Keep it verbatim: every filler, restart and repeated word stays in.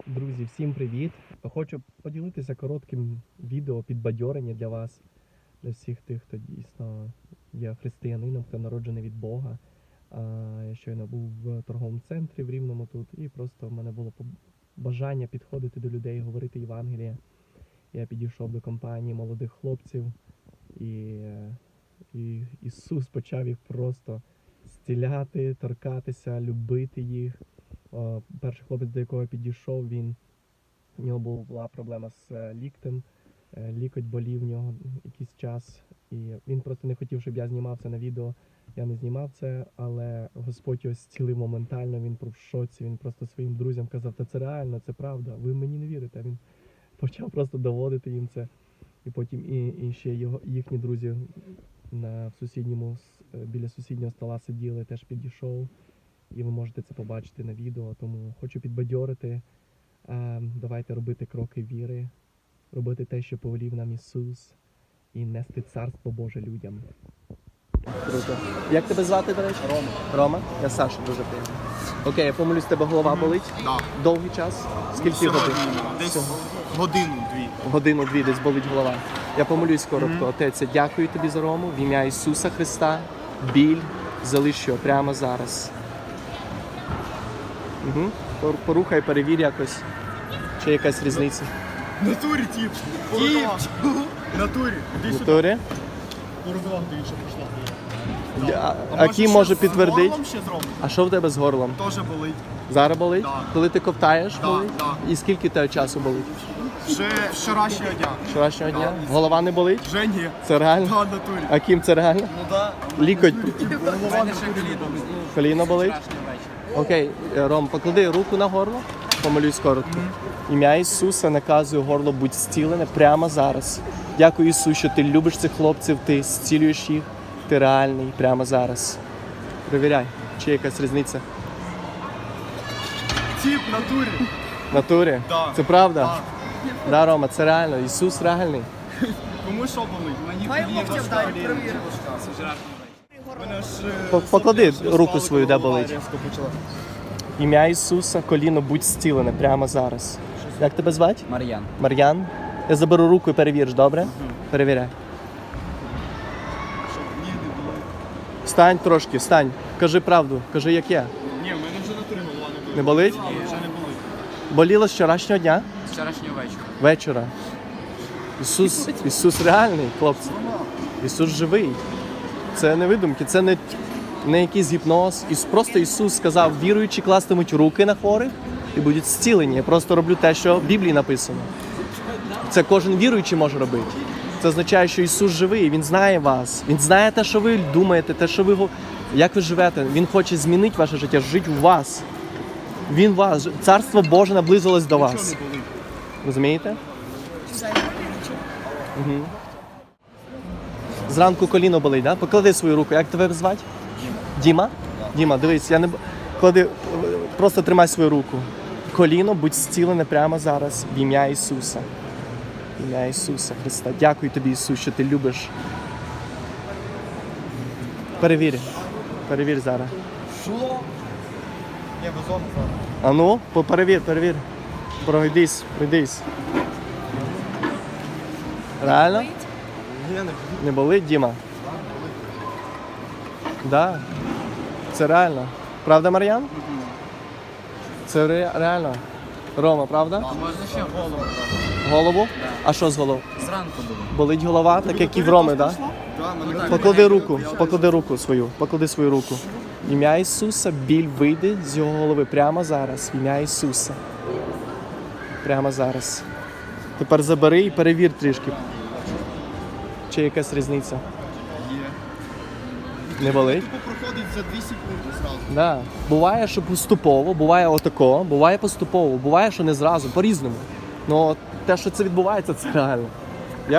Друзі, всім привіт! Хочу поділитися коротким відео підбадьорення для вас, для всіх тих, хто дійсно є християнином, хто народжений від Бога. Я щойно був в торговому центрі в Рівному тут, і просто в мене було бажання підходити до людей, говорити Євангеліє. Я підійшов до компанії молодих хлопців, і, і Ісус почав їх просто зціляти, торкатися, любити їх. Перший хлопець, до якого я підійшов, він, в нього була проблема з ліктем, лікоть болів в нього якийсь час, і він просто не хотів, щоб я знімав це на відео. Я не знімав це, але Господь його зцілив моментально, він був в шоці, він просто своїм друзям казав, та це реально, це правда, ви мені не вірите. Він почав просто доводити їм це, і потім і, і ще його, їхні друзі на сусідньому, біля сусіднього стола сиділи, теж підійшов. І ви можете це побачити на відео, тому хочу підбадьорити. Давайте робити кроки віри, робити те, що повелів нам Ісус, і нести Царство Боже людям. Круто. Як тебе звати, до речі? Рома. Рома? Я Саша, дуже приємно. Окей, я помилюсь, тебе голова болить? Да. Довгий час? Скільки Сьогодні, годин? десь годину-дві. Годину-дві десь болить голова. Я помилюсь коротко. Mm-hmm. Отець, я дякую тобі за Рому, в ім'я Ісуса Христа. Біль залиш його прямо зараз. Угу. Порухай, перевір якось, чи якась різниця. Натурі, тіп! Тіп! Натурі! Іди сюди. Натурі? Породова, дивіться, пішла. А, а Кім може підтвердити? Ще зробити? А що в тебе з горлом? Теж болить. Зараз болить? Да. Коли ти ковтаєш, Да, болить? да. І скільки тебе часу болить? Вже вчорашнього дня. Вчорашнього Да. дня? Голова не болить? Вже ні. Це реально? Да, натурі. А Кім, це реально? Ну да. Лікоть? Голова не болить. Коліно болить? Окей, Ром, поклади руку на горло, помолюсь коротко. Ім'я Ісуса наказує горло будь зцілене прямо зараз. Дякую, Ісус, що ти любиш цих хлопців, ти зцілюєш їх, ти реальний прямо зараз. Перевіряй, чи є якась різниця. Тіп, натурі. В натурі? Да. Це правда? Да. Да, Рома, це реально. Ісус реальний. Кому що болить? Мені Хай локтя вдарить, перевіримо. Мене ж... е, По- Поклади сустави руку свою, де голова болить. різко почала. Ім'я Ісуса, коліно будь зцілене прямо зараз. Як тебе звати? Мар'ян. Мар'ян? Я заберу руку і перевіриш, добре? Перевіряй. Щоб ні, не болить. Встань трошки, встань. Кажи правду, кажи як є. Ні, в мене вже натурі голова не болить. Не болить? Ні, вже не болить. Боліло з вчорашнього дня? З вчорашнього вечора. Вечора. Ісус, Ісус реальний, хлопці. Ісус живий. Це не видумки, це не, не якийсь гіпноз. Іс, просто Ісус сказав, віруючі кластимуть руки на хворих і будуть зцілені. Я просто роблю те, що в Біблії написано. Це кожен віруючий може робити. Це означає, що Ісус живий, Він знає вас. Він знає те, що ви думаєте, те, що ви, го- як ви живете. Він хоче змінити ваше життя, жити у вас. Він вас. Царство Боже наблизилось до вас. Нічого не болить. Розумієте? Угу. Зранку коліно болить, да? Поклади свою руку. Як тебе звати? Діма. Діма? Діма, дивись, я не б- клади, просто тримай свою руку. Коліно будь зцілене прямо зараз в ім'я Ісуса. В ім'я Ісуса Христа. Дякую тобі, Ісус, що ти любиш. Перевір. Перевір зараз. Що? Ні, вазон зараз. А ну, по- перевір, перевір. Пройдись, пройдись. Реально? Ні, не болить. Не болить, Діма? Да. Це реально. Правда, Мар'ян? Це ре- реально. Рома, правда? А можна ще голову? Голову? А що з головою? Зранку було. Болить голова, так як і в Роми, так? Да? Да, мене так. Поклади руку, поклади руку свою, поклади свою руку. Ім'я Ісуса, біль вийде з його голови прямо зараз. Ім'я Ісуса. Прямо зараз. Тепер забери і перевір трішки. Чи якась різниця? Є. Не болить? Тупо проходить за дві секунди зразу. Да. Буває, що поступово, буває отако, буває поступово, буває, що не зразу, по-різному. Ну те, що це відбувається, це реально.